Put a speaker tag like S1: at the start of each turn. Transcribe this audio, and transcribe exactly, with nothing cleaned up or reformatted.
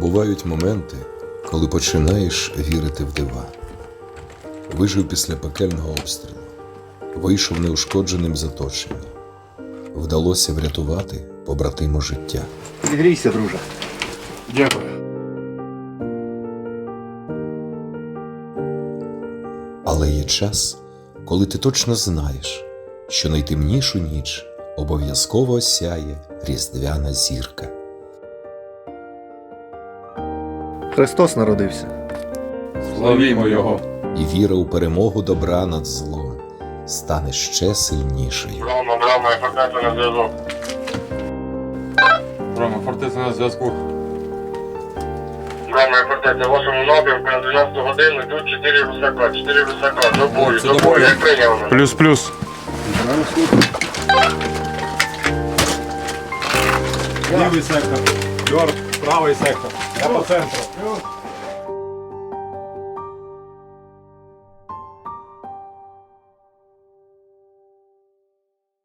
S1: Бувають моменти, коли починаєш вірити в дива. Вижив після пекельного обстрілу, вийшов неушкодженим з оточення. Вдалося врятувати побратиму життя.
S2: Зігрійся, друже.
S3: Дякую.
S1: Але є час, коли ти точно знаєш, що найтемнішу ніч обов'язково осяє різдвяна зірка.
S2: Христос народився.
S3: Славімо Його.
S1: І віра у перемогу добра над злом стане ще сильнішою.
S4: Рома, Рома, я фортеця на зв'язок.
S3: Рома, фортеця на зв'язку.
S4: Рома, я фортеця, вашому напрямку на дванадцяту годину йдуть чотири русака, чотири русака, до бою,
S3: Це
S4: до
S3: до
S4: бою,
S3: бою.
S4: як прийняв мене.
S3: Плюс-плюс.
S5: Лівий сектор, Йорк, правий сектор. Я по центру.